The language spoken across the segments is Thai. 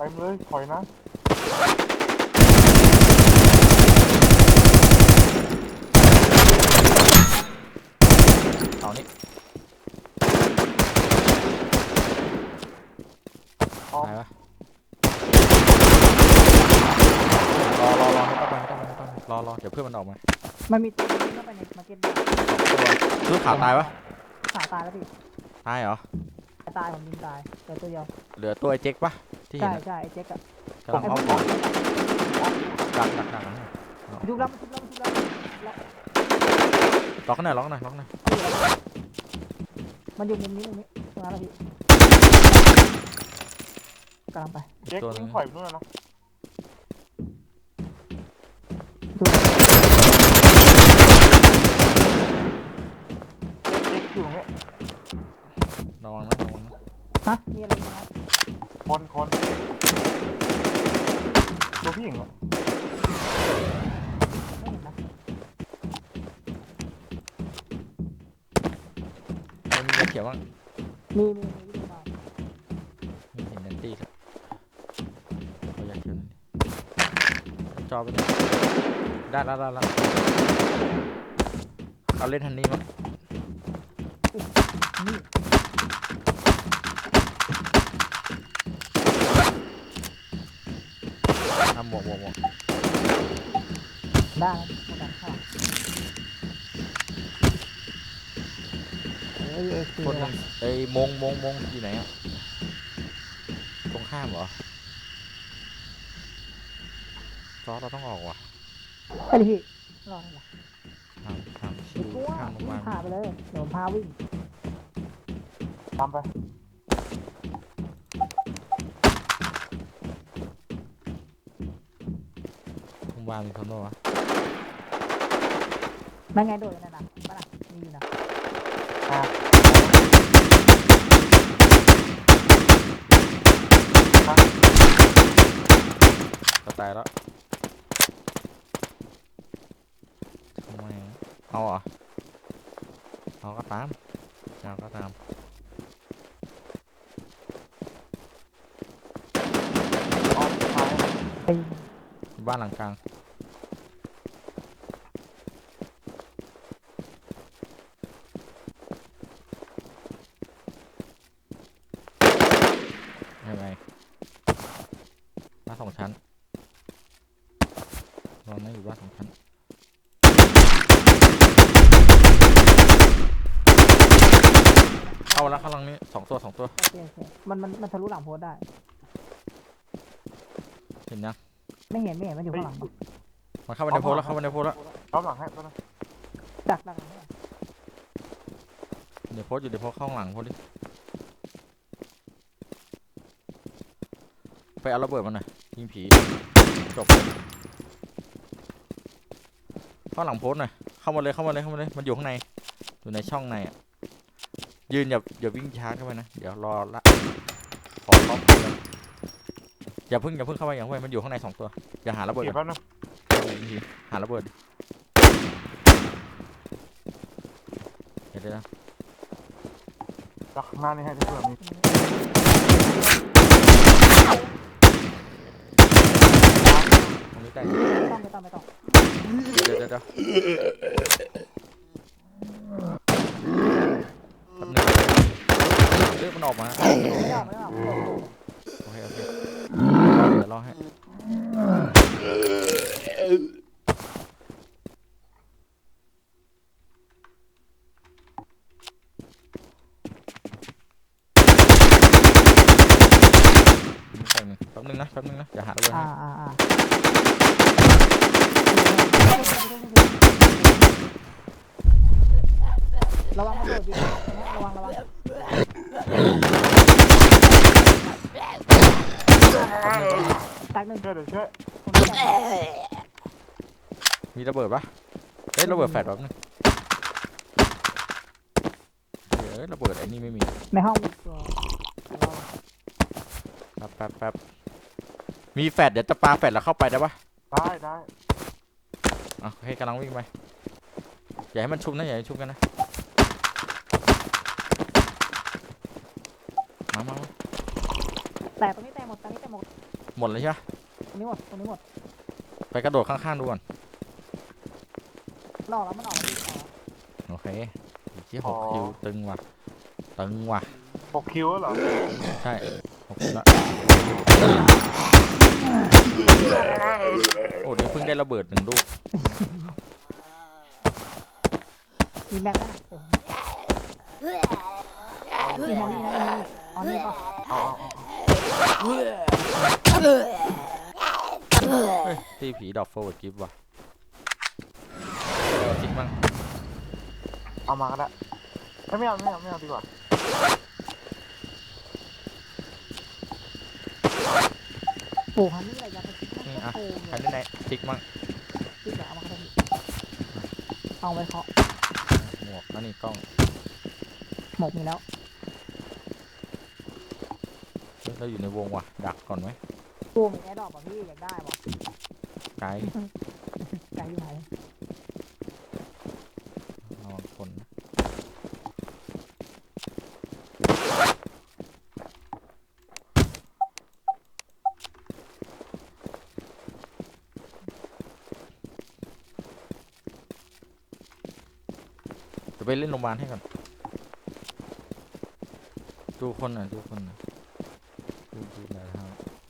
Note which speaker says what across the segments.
Speaker 1: มเลยถอยนะ
Speaker 2: เอานี่ตายวะรอไม่ต้องรอเดี๋ยวเพื่อนมันออกมา
Speaker 3: มันมีตัวนึงเข้าไปในมาร์เก็ตตัว
Speaker 2: คือขาตายวะ
Speaker 3: ขาตายแล้วพี่
Speaker 2: ตายเหรอ
Speaker 3: ตายผมยิงตายแต่ตัวเดียว
Speaker 2: เหลือตัวไอ้เจ๊กปะที่เห็น
Speaker 3: ใช่ไอ้เจ๊กอะ
Speaker 2: กำลังเอาของดัก
Speaker 3: ชุบแล้ว
Speaker 2: ล็อกหน่อย
Speaker 3: มันอยู่มุมนี้ตรงนั้นแหละพี่กำลังไป
Speaker 1: เจ๊กยิงถอยไปนู่นนะเจ๊กอยู่ตรงนี้
Speaker 2: ระวังนะ
Speaker 3: ฮะมีอะไรนะ
Speaker 1: คนตัวพี่หญิงเหรอ
Speaker 3: ไม่เห็นนะ
Speaker 2: มันมีเขียวบ้าง
Speaker 3: มีที่ดูมา
Speaker 2: มีเห็นนันตี้ครับเขาอยากเขียวนั่นจอไปเลยได้แล้วเอาเล่นทันนี้มั้ง
Speaker 3: นี่
Speaker 2: ทำหมวก
Speaker 3: ได้หมดแล้วค่ะ
Speaker 2: คนนึงไอ้มงอยู่ไหนอ่ะตรงข้ามเหรอซอสเราต้องออกว่ะ
Speaker 3: ไปดิพี่รอหน่อย
Speaker 2: ทำชิวข้ามลงมา
Speaker 3: พาไปเลยเดี๋ยวพาวิ่ง
Speaker 1: ตามไป
Speaker 2: ลงมามีคนโน่วะ
Speaker 3: นั่นไงโดดนั่นน่ะบ้าน่ะมีอยู่นะ
Speaker 2: ก็ตายแล้วทำไมเอาเหรอเอาก็ตามบ้านหลังกลางยังไงบ้าน2 ชั้นเราไม่อยู่บ้าน2 ชั้นเข้าแล้วข้างหลังนี้2 ตัว
Speaker 3: โอเคมันทะลุหลังโพสได้
Speaker 2: เห็นยัง
Speaker 3: ไม่เห็นมันอยู่ข้างหลัง
Speaker 2: มันเข้าไปในโพสแล้ว
Speaker 1: รับหลังให้ตัวนึง
Speaker 3: ดักหลัง
Speaker 2: เดี๋ยวโพสอยู่เข้าข้างหลังโพสดิไปเอาระเบิดมันหน่อยยิงผีจบเข้าหลังโพสหน่อยเข้ามาเลยมันอยู่ข้างในอยู่ในช่องในอ่ะยืนอย่าวิ่งช้าเข้าไปนะเดี๋ยวรอละขอป๊อปอย่าเพิ่งเข้าไปมันอยู่ข้างใน2 ตัวอย่าหาระเบิดก่อนหาระเบิดเดี๋ยวนะ
Speaker 1: จากข้างหน้านี่ให้ทุกคนมี
Speaker 2: ตรงนี้ได้
Speaker 3: ไม่ต้อง
Speaker 2: เดี๋ยวแป๊บนึงเลือกมันออกมาโอเคเดี๋ยวรอให้แป๊บนึงนะอย่าหาระเบิด
Speaker 3: ระวังระเบิดดิระวังตักหนึ่ง
Speaker 1: เดี๋ยวช่วย
Speaker 2: มีระเบิดปะระเบิดแฟลชแบบนึงระเบิดไอ้นี่ไม่มี
Speaker 3: ในห้องมีตัว
Speaker 2: แป๊บมีแฟลชเดี๋ยวจะปาแฟลชแล้วเข้าไปได้ปะ
Speaker 1: ได้
Speaker 2: โอเคกำลังวิ่งไปอย่าให้มันชุบนะอย่าให้ชุบกันนะมา
Speaker 3: แต่ตรงนี้แตกหมดตรงนี้แตกหมด
Speaker 2: หมดเลยใช่ปะ
Speaker 3: ตรงนี้หมดตรงนี้หมด
Speaker 2: ไปกระโดดข้างๆดูก่อน
Speaker 3: มันออกแล้วมันออกแล้วพี่ออกแล้ว
Speaker 2: โอเคที่6 คิวตึงว่ะตึงว่ะ
Speaker 1: 6 คิวแล้วเหรอ
Speaker 2: ใช่6 คิวละโอ้เดี๋ยวเพิ่งได้ระเบิด1 ลูก
Speaker 3: มีแม็กซ์นะมีแม็กซ์นี่นะอ๋อนี่ป่ะ
Speaker 1: เอา
Speaker 2: เฮ้ยตีผีดอกโฟร์กิฟต์ว่ะจริงมั้ง
Speaker 1: เอามาก็ได้ไม่เอาดีกว่า
Speaker 3: โอ้ฮันนี่อะไรยังไปคิด
Speaker 2: นี่
Speaker 3: ว่า
Speaker 2: อ่ะ
Speaker 3: โกง
Speaker 2: ใคร
Speaker 3: เลย
Speaker 2: ได้ไหนทิกมั้ง
Speaker 3: คิดแบบเอามาก็ได้เอาไปเคาะ
Speaker 2: หมวกแล้วนี่กล้อง
Speaker 3: หมกมีแล้ว
Speaker 2: เฮ้ยเราอยู่ในวงว่ะดักก่อนไหม
Speaker 3: ตัวมีแอร์ดรอปป่ะพี่อยากได้ป่ะ
Speaker 2: ไกด์
Speaker 3: ไกลอยู่ไหน
Speaker 2: ระวังคนนะจะไปเล่นโรงพยาบาลให้ก่อนดูคนหน่อยดูคนหน่อยดูหน่อยครับ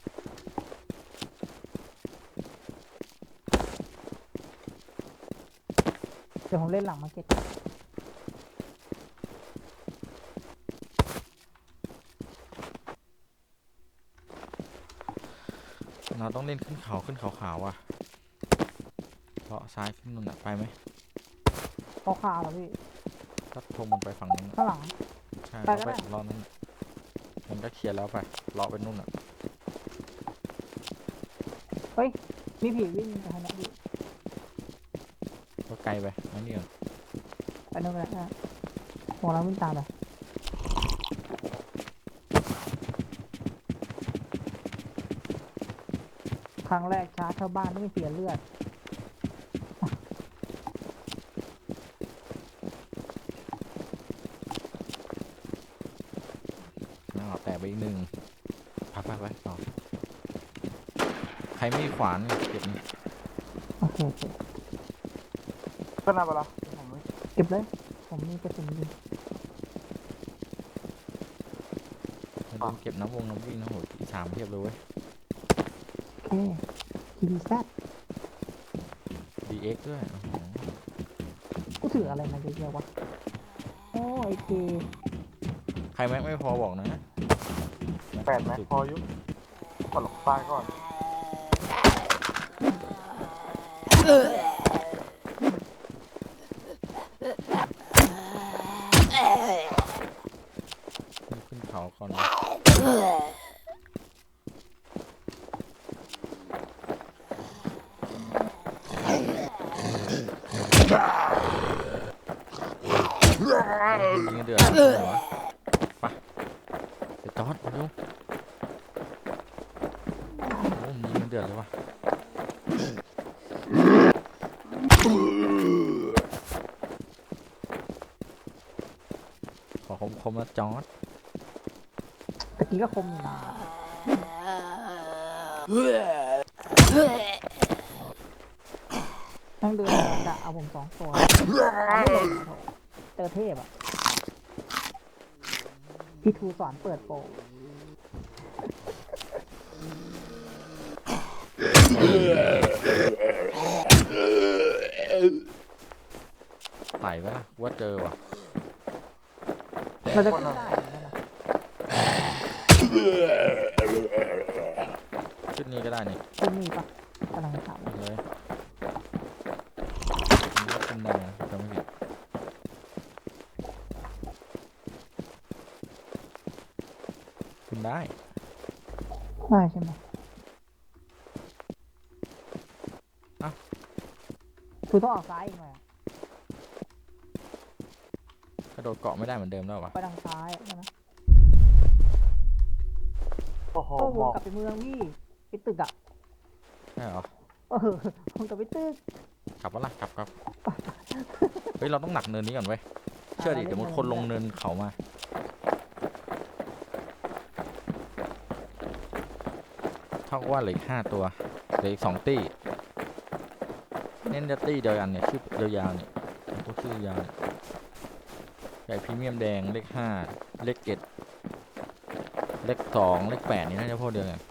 Speaker 3: เดี๋ยวผมเล่นหลังมาร์เก็ต
Speaker 2: เราต้องเล่นขึ้นเขาขาวอ่ะเลาะซ้ายขึ้นนู่นน่ะไปไหม
Speaker 3: เขาคาวเหรอพี่
Speaker 2: ก็ทงมันไปฝั่งนู้นน่ะ
Speaker 3: ข้างหลัง
Speaker 2: ใช่
Speaker 3: ไป
Speaker 2: เรา
Speaker 3: ก็
Speaker 2: ไป
Speaker 3: ได้
Speaker 2: เลาะนั้นน่ะมันก็เคลียร์แล้วไปเลาะไปนู่นอ่ะ
Speaker 3: มีผีวิ่งไปทางนี้พี่
Speaker 2: ก็ไกลไปนั่นนี่ก่อน
Speaker 3: ไปนู่นก็ได้โหเราวิ่งตามไปครั้งแรกชาร์จเข้าบ้านไม่เสียเลือด
Speaker 2: แต่ไปอีก1ไปต่อใครไม่มีขวานเก็บนี่
Speaker 3: โอเค
Speaker 1: ก็น่าเวลาผมไม่
Speaker 3: เก็บเลย ผมมีกระสุนอยู่
Speaker 2: อย่าลืมเก็บน้ำวิ่งนะโหอีสามเทียบเลยเว้ย
Speaker 3: โอเคทีวีแซด
Speaker 2: DX ด้วยโอ้โห
Speaker 3: กูถืออะไรมาเยอะๆวะโอ้ไอเก
Speaker 2: ใครแม็กไม่พอบอกนะ
Speaker 1: 8 แม็กพอยุกดหลบตายก่อน
Speaker 2: ขึ้นเขาก่อนนะยิงเดือดเลยวะไปเดี๋ยวจอดมาดูโอ้ยิงเดือดเลยวะขอคมๆนะจอด
Speaker 3: ตะกี้ก็คมอยู่นะนั่งเดินจะเอาผม2 ตัวเอาไม่ลงอะโถเจอเทพอ่ะ พี่ทูสอนเปิดโปร
Speaker 2: ไต่ปะล่ะว่าเจอว่ะ
Speaker 3: เราจะขึ้นได้เหมือนกันนะ
Speaker 2: ชุดนี้ก็ได้นี่
Speaker 3: ขึ้นนี่ปะกำลังถาม
Speaker 2: เลยมันก็ขึ้นได้นะจำไม่ผิดขึ้นได้
Speaker 3: ได้ใช่ไหมคือต้องออกซ้ายอีกหน่อยอะ
Speaker 2: กระโดดเกาะไม่ได้เหมือนเดิมแล้ววะ
Speaker 3: ไปทางซ้ายใช่ไหม
Speaker 1: โอ้โห
Speaker 3: โอ้
Speaker 1: ห
Speaker 3: ว
Speaker 1: ม
Speaker 3: น
Speaker 1: อก
Speaker 3: กลับไปเมืองพี่ไปตึกอ่ะ
Speaker 2: ใช่เหรอ
Speaker 3: วนกลับไปตึก
Speaker 2: กลับวะล่ะกลับเฮ้ยเราต้องหนักเนินนี้ก่อนเว้ยเชื่อดิเดี๋ยวมันคนลงเนินเขามาเท่ากับว่าเหลืออีก5 ตัวเหลืออีก2 ตี้เน้นจะตี้เดียวกันเนี่ยชื่อยาวๆเนี่ยพวกชื่อยาวเนี่ยใหญ่พรีเมียมแดงเลข5เลข7เลข2เลข8นี่น่าจะพวกเดียวกัน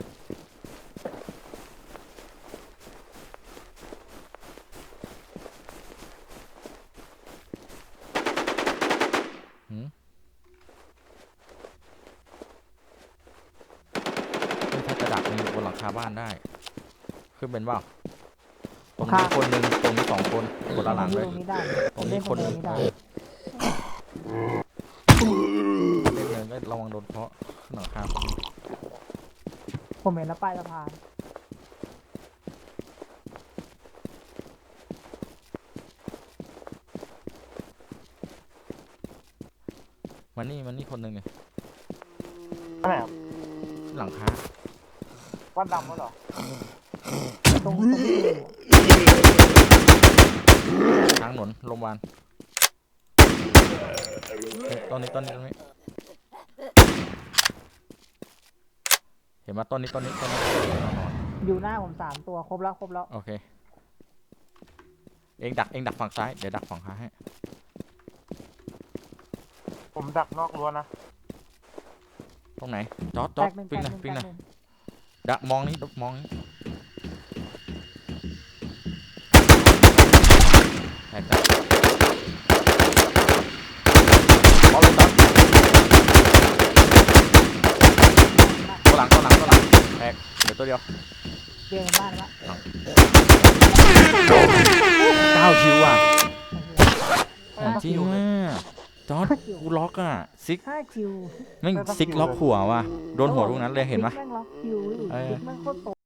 Speaker 2: หืมถ้าจะดักมีบนหลังคาบ้านได้ขึ้นเป็นเปล่าตรงนี้คนหนึ่งตรงนี้2 คนคนละหลังเลย
Speaker 3: ตรงนี้ได้
Speaker 2: ตรงนี้คน
Speaker 3: เล่นตรงนี้ได้
Speaker 2: เล่นเลยก็ระวังโดนเคาะขึ้นหลังคาคนหนึ่ง
Speaker 3: ผมเห็นแล้วป้ายสะพาน
Speaker 2: มานี่คนหนึ่งไง
Speaker 1: อะไรครับ
Speaker 2: ขึ้นหลังคา
Speaker 1: วัดดำวะเหรอ
Speaker 3: ตรงที่อยู่
Speaker 2: ทางถนนโรงพยาบาลต้นนี้เห็นไหมต้นนี้นอน
Speaker 3: อยู่หน้าผม3 ตัวครบแล้ว
Speaker 2: โอเคเองดักฝั่งซ้ายเดี๋ยวดักฝั่งขวาให้
Speaker 1: ผมดักนอกรั้วนะ
Speaker 2: ตรงไหนจอด
Speaker 3: แตกหนึ่ง
Speaker 2: ปิ้ง
Speaker 3: แต
Speaker 2: นะ
Speaker 3: กหนึ่ง
Speaker 2: ปิ้ง
Speaker 3: แต
Speaker 2: นะ
Speaker 3: กหนึ่ง
Speaker 2: ดักมองนี้แตกเอาเลยจอดตัวหลังแตกเดี๋ยวตัวเดียว
Speaker 3: เดียวในบ้านละ
Speaker 2: 9 คิวอ่ะของจริงว่ะจอร์ดกูล็อกอ่ะซิก
Speaker 3: 5 คิว
Speaker 2: แม่งซิกล็อกหัวว่ะโดนหัวตรงนั้นเลยเห็นปะ
Speaker 3: แม่งล็อกคิวอีก
Speaker 2: เออ
Speaker 3: แม่งโคตรโต